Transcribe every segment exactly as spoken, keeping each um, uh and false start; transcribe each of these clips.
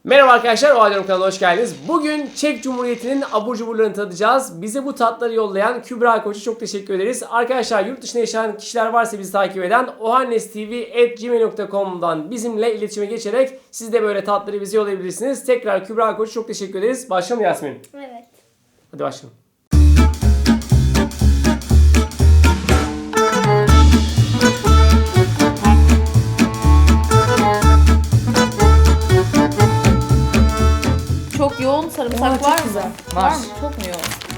Merhaba arkadaşlar, O Halde Yorum kanalına hoş geldiniz. Bugün Çek Cumhuriyeti'nin abur cuburlarını tadacağız. Bize bu tatları yollayan Kübra Koç'a çok teşekkür ederiz. Arkadaşlar yurt dışında yaşayan kişiler varsa bizi takip eden ohanestv at gmail nokta com'dan bizimle iletişime geçerek siz de böyle tatları bize yollayabilirsiniz. Tekrar Kübra Koç'a çok teşekkür ederiz. Başlayalım Yasmin. Evet. Hadi başlayalım. Çok yoğun sarımsak Aa, var çok mı? güzel. Var Var. mı? Çok mu yoğun?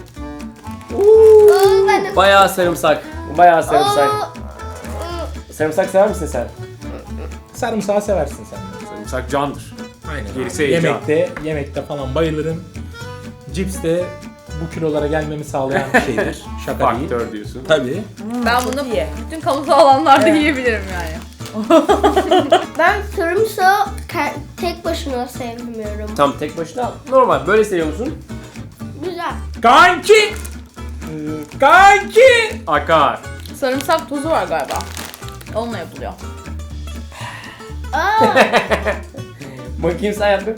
Oo, ben de... Bayağı sarımsak. Bayağı sarımsak. Oo, Sarımsak sever misin sen? Sarımsağı seversin sen. Sarımsak candır. Aynen. Gerisi heyecan. Yemekte, yemekte falan bayılırım. Cips de bu kilolara gelmemi sağlayan bir şeydir. Şaka değil. Faktör diyorsun. Tabii. Ben bunu bütün kamusal alanlarda yiyebilirim yani. Ben sarımsağı ke- tek başına sevmiyorum. Tam tek başına normal. Böyle seviyor musun? Güzel. Kanki! Ee, Kanki! Akar. Sarımsak tozu var galiba. Onunla yapılıyor. Aa, Bakayım sen yaptın.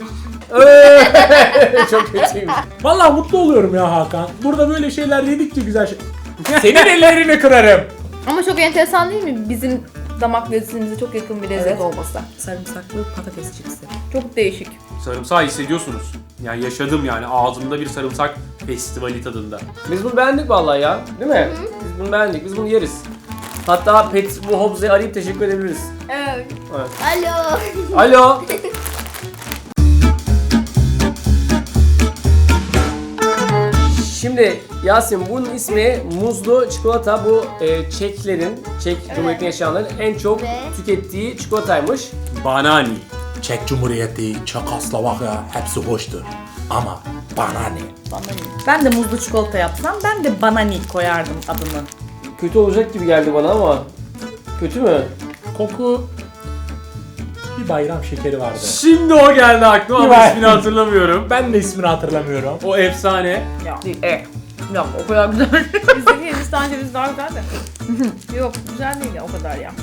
Çok kötüymüş. Vallahi mutlu oluyorum ya Hakan. Burada böyle şeyler yedikçe güzel şey. Senin ellerini kırarım. Ama çok enteresan değil mi? Bizim damak lezzetimize çok yakın bir lezzet Evet. olması. Sarımsaklı patates cipsi. Çok değişik. Sarımsağı hissediyorsunuz. Yani yaşadım yani ağzımda bir sarımsak festivali tadında. Biz bunu beğendik vallahi ya. Değil mi? Biz bunu beğendik. Biz bunu yeriz. Hatta Pet bu Hobbs'e arayıp teşekkür edebiliriz. evet. Evet. Alo. Alo. Şimdi Yasin bunun ismi muzlu çikolata. Bu e, Çeklerin, Çek Cumhuriyeti'nde yaşayanların en çok Ve- tükettiği çikolataymış. Banani. Çek Cumhuriyeti, Çekoslovakya hepsi hoştur. Ama bana ne? Bana iyi. Ben de muzlu çikolata yapsam ben de banani koyardım adını. Kötü olacak gibi geldi bana ama. Kötü mü? Koku bir bayram şekeri vardı. Şimdi o geldi aklıma ama Güven. ismini hatırlamıyorum. Ben de ismini hatırlamıyorum. O efsane. Ya. Değil. E. Ya o kadar güzel. Bizdeki Hindistan cevizi daha güzel de. Yok güzel değil ya o kadar ya.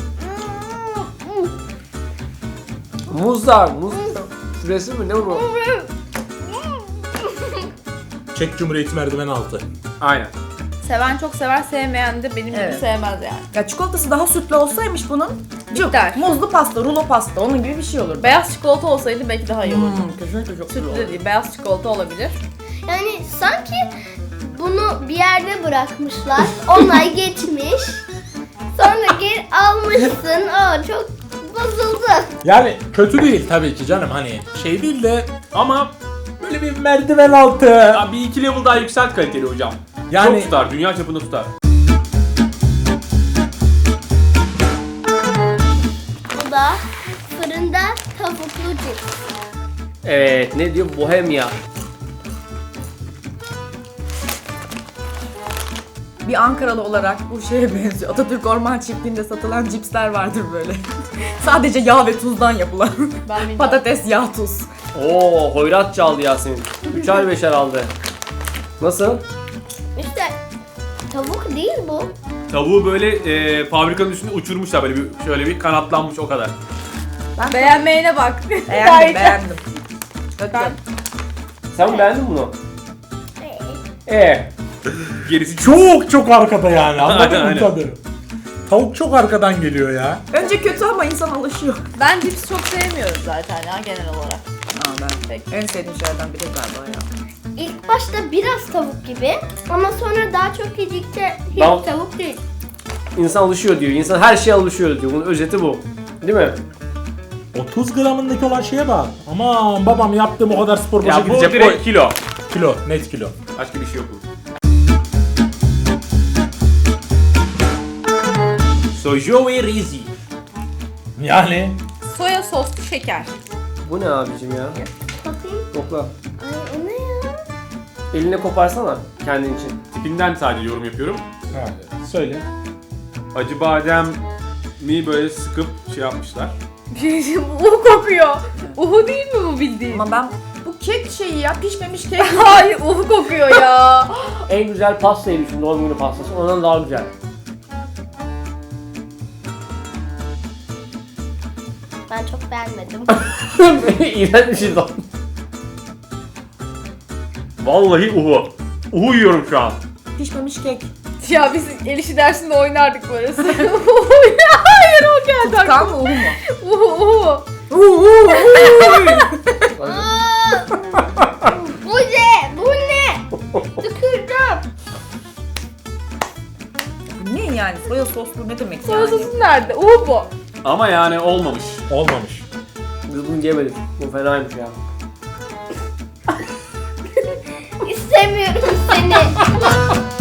Muzlar. Muz püresi mi? Ne bu? Çek Cumhuriyeti merdiven altı. Aynen. Seven çok sever, sevmeyen de benim gibi Evet. sevmez yani. Ya çikolatası daha sütlü olsaymış bunun. Cık, Biter. muzlu pasta, rulo pasta onun gibi bir şey olur. Beyaz çikolata olsaydı belki daha iyi olurdu. Hmm, kesinlikle çok güzel Sütlü olur. de değil, beyaz çikolata olabilir. Yani sanki bunu bir yerde bırakmışlar. Onlar geçmiş. Sonra geri almışsın. Aa, çok bozuldu. Yani kötü değil tabii ki canım, hani şey değil de Ama böyle bir merdiven altı. ya bir iki level daha yükselt kaliteli hocam. Yani- Çok tutar, dünya çapında tutar. Bu da fırında tavuklu cips. Evet. Ne diyor? Bohemia. Bir Ankaralı olarak bu şeye benziyor. Atatürk Orman Çiftliği'nde satılan cipsler vardır böyle. Sadece yağ ve tuzdan yapılan. Ben bilmiyorum. Patates, yağ, tuz. Oo, hoyrat çaldı Yasin. Üçer beşer aldı. Nasıl? İşte tavuk değil bu. Tavuğu böyle e, fabrikanın üstünde uçurmuşlar böyle bir şöyle bir kanatlanmış o kadar. Ben Beğenmeyene bak. beğendim, beğendim. Ben Sen mi beğendin bunu? Ee. Gerisi çok Çok çok arkada yani, anladın mı Aynen. tadı? Tavuk çok arkadan geliyor ya. Önce kötü ama insan alışıyor. Ben cips çok sevmiyorum zaten ya genel olarak. Aa, ben Peki. en sevdiğim şeylerden biri galiba ya. İlk başta biraz tavuk gibi ama sonra daha çok yedikçe hiç Tamam. tavuk değil. İnsan alışıyor diyor. İnsan her şeye alışıyor diyor. Bunun özeti bu. Değil mi? otuz gramındaki olan şeye bak. Aman babam yaptığım o kadar spor boşa ya bu gidecek. direkt Oy. kilo. Kilo, net kilo. Başka bir şey yok bunun. Sojoe Rizi. Yani Soya soslu şeker. Bu ne abicim ya? Bakayım. Kokla. Ay o ne ya? Eline koparsana kendin için. Tipinden sadece yorum yapıyorum. ha, söyle. Acı badem mi böyle sıkıp şey yapmışlar. Bir şey diyeyim, uhu kokuyor. Uhu değil mi bu bildiğin? Ama ben bu kek şeyi ya, pişmemiş kek. Hayır uhu kokuyor ya. En güzel pastayı düşün. Doğum günü pastası. Ondan daha güzel. Ben çok beğenmedim. İğrenç bir şey de. Vallahi uhu. Uhu yiyorum şu an. Pişmemiş kek. Ya biz el işi dersinde oynardık burası. Hayır o geldi. Tutkan mı uhu mu? Uhu uhu. Aa, bu ne? Bu ne? Tükürdüm. Ne yani? Soya soslu ne demek Soya yani? sosu nerede? Uhu bu. Ama yani olmamış. Olmamış. Biz bunu yemedik. Bu fenaymış ya. İstemiyorum seni.